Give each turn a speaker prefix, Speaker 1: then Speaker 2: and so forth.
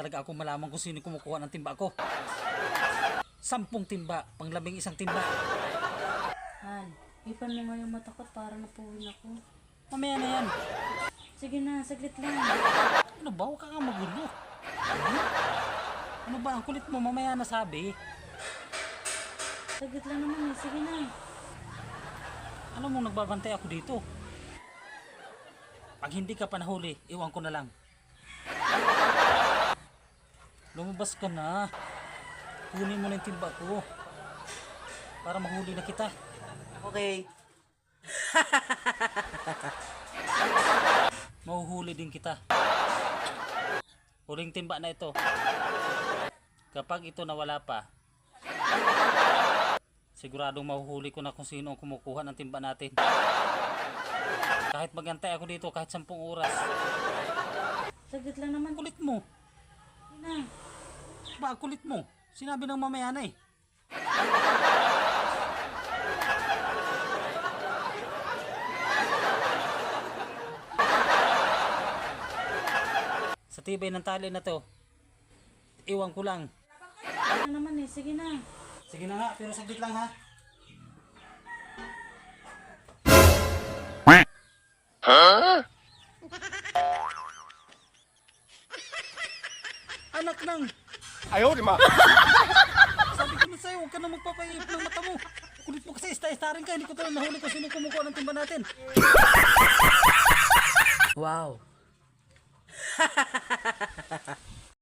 Speaker 1: talaga ako malaman kung sino kumukuha ng timba ko. 10 timba, pang-11 timba.
Speaker 2: Han, ipan mo nga yung mata ko para napuwin ako.
Speaker 1: Mamaya na yan.
Speaker 2: Sige na, saglit lang.
Speaker 1: Ano ba? Huwag ka nga magulo. Ano ba? Ang kulit mo, mamaya na sabi.
Speaker 2: Saglit lang naman eh, sige na.
Speaker 1: Alam mo, nagbabantay ako dito. Pag hindi ka pa nahuli, iwan ko na lang. Lumabas ka na. Kunin mo na yung timba ko. Para mahuli na kita.
Speaker 3: Okay.
Speaker 1: Mahuhuli din kita. Huling timba na ito. Kapag ito nawala pa, siguradong mahuhuli ko na kung sino ang kumukuha ng timba natin. Kahit magantay ako dito kahit 10 oras.
Speaker 2: Saglit lang naman.
Speaker 1: Kulit mo.
Speaker 2: Sige na.
Speaker 1: Ba, kulit mo. Sinabi ng mamaya na eh. Sa tibay ng tali na to, iwan ko lang.
Speaker 2: Ano naman eh, sige na.
Speaker 1: Sige na nga, pero saglit lang ha. Anak nang!
Speaker 4: Ayaw, di ma.
Speaker 1: Sabi ko na sa'yo, huwag ka na magpapaihip ng mata mo. Kulit mo kasi, ista-ista rin ka. Hindi ko talagang nahuli kung sino kumukuha ng timba natin.
Speaker 3: Wow.